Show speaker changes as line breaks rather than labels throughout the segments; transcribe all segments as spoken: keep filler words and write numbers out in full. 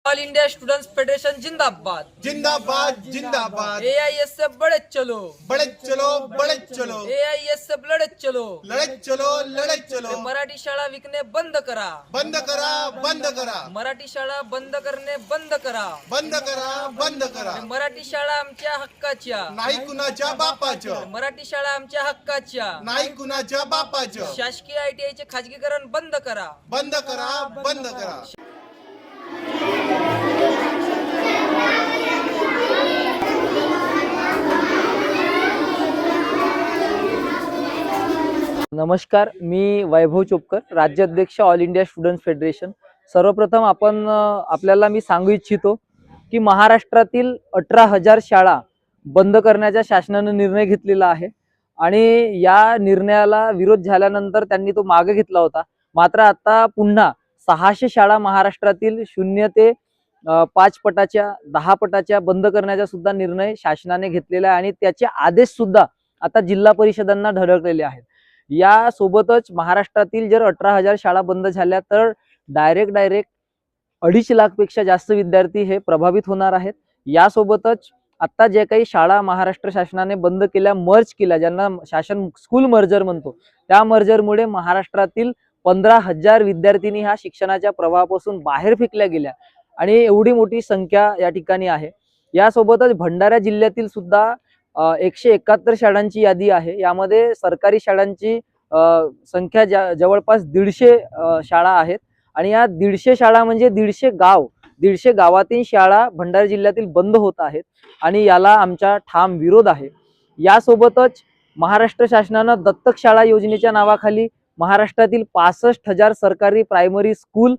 All India students federation जिंदाबाद
जिंदाबाद जिंदाबाद।
एआईएसएफ बढ़े चलो
बड़े चलो बड़े चलो।
एआईएसएफ लढत चलो
लढत चलो लढत चलो।
मराठी शाळा विकणे बंद करा
बंद करा बंद करा।
मराठी शाळा बंद करणे बंद करा
बंद करा बंद करा।
मराठी शाळा आमच्या हक्काच्या
नाही कुणाच्या बापाच्या।
मराठी शाळा आमच्या हक्काच्या
नाही कुणाच्या बापाच्या।
शासकीय आयटीआय चे खाजगीकरण बंद करा
बंद करा बंद करा।
नमस्कार, मी वैभव चोपकर, राज्याध्यक्ष ऑल इंडिया स्टुडंट्स फेडरेशन। सर्वप्रथम आपण आपल्याला मी सांगू इच्छितो की महाराष्ट्रातील अठरा हजार शाळा बंद करण्याचा शासनाने निर्णय घेतलेला आहे आणि या निर्णयाला विरोध झाल्यानंतर त्यांनी तो मागे घेतला होता। मात्र आता पुन्हा सहाशे शाळा महाराष्ट्रातील शून्य ते पाच पटाच्या दहा पटाच्या बंद करण्याचा सुद्धा निर्णय शासनाने घेतलेला आहे आणि त्याचे आदेश सुद्धा आता जिल्हा परिषदांना धडकलेले आहेत। या सोबतच महाराष्ट्रातील जर अठरा हजार शाळा बंद झाल्या तर डायरेक्ट डायरेक्ट अडीच लाख पेक्षा जास्त विद्यार्थी हे प्रभावित होणार आहेत। यासोबतच आता जे काही शाळा महाराष्ट्र शासनाने बंद केल्या, मर्ज केल्या, ज्यांना शासन स्कूल मर्जर म्हणतो, त्या मर्जरमुळे महाराष्ट्रातील पंधरा हजार विद्यार्थिनी ह्या शिक्षणाच्या प्रवाहापासून बाहेर फेकल्या गेल्या आणि एवढी मोठी संख्या या ठिकाणी आहे। यासोबतच भंडारा जिल्ह्यातील सुद्धा एकशे एकाहत्तर शाळांची यादी आहे। यामध्ये सरकारी शाळांची संख्या जवळपास दीडशे शाळा आहेत आणि या दीडशे शाळा म्हणजे दीडशे गाव दीडशे गावातील शाळा भंडारा जिल्ह्यातील बंद होत आहेत आणि याला आमचा ठाम विरोध आहे। यासोबतच महाराष्ट्र शासनानं दत्तक शाळा योजनेच्या नावाखाली महाराष्ट्रातील पासष्ट हजार सरकारी प्रायमरी स्कूल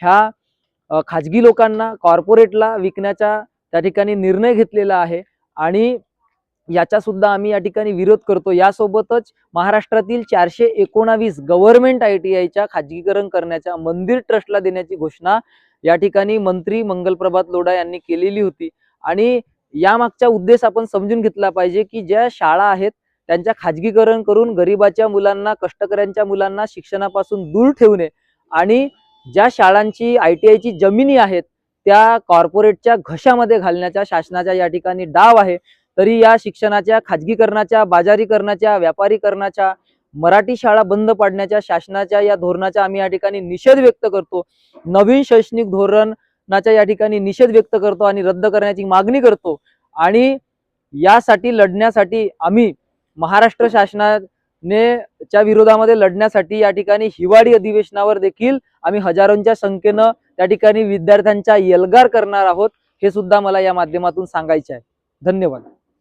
ह्या खाजगी लोकांना, कॉर्पोरेटला विकण्याचा त्या ठिकाणी निर्णय घेतलेला आहे आणि याचा सुद्धा आम्ही या ठिकाणी विरोध करतो। यासोबतच महाराष्ट्रातील चारशे एकोणावीस गव्हर्नमेंट आयटीआयच्या खाजगीकरण करण्याच्या मंदिर ट्रस्टला देण्याची घोषणा या ठिकाणी मंत्री मंगलप्रभात लोढा यांनी केलेली होती आणि यामागचा उद्देश आपण समजून घेतला पाहिजे की ज्या शाळा आहेत त्यांच्या खाजगीकरण करून गरिबाच्या मुलांना, कष्टकऱ्यांच्या मुलांना शिक्षणापासून दूर ठेवणे आणि ज्या शाळांची आयटीआयची जमिनी आहेत त्या कॉर्पोरेटच्या घशामध्ये घालण्याचा शासनाचा या ठिकाणी डाव आहे। तरी या शिक्षणाच्या खाजगीकरणाच्या, बाजारीकरणाच्या, व्यापारीकरणाच्या, मराठी शाळा बंद पाडण्याच्या शासनाच्या या धोरणाचा आम्ही या ठिकाणी निषेध व्यक्त करतो। नवीन शैक्षणिक धोरणाचा या ठिकाणी निषेध व्यक्त करतो आणि रद्द करण्याची मागणी करतो आणि यासाठी लढण्यासाठी आम्ही महाराष्ट्र शासनाने च्या विरोधामध्ये लढण्यासाठी या ठिकाणी हिवाळी अधिवेशनावर देखील आम्ही हजारोंच्या संख्येने त्या ठिकाणी विद्यार्थ्यांचा एल्गार करणार आहोत, हे सुद्धा मला या माध्यमातून सांगायचे आहे। धन्यवाद।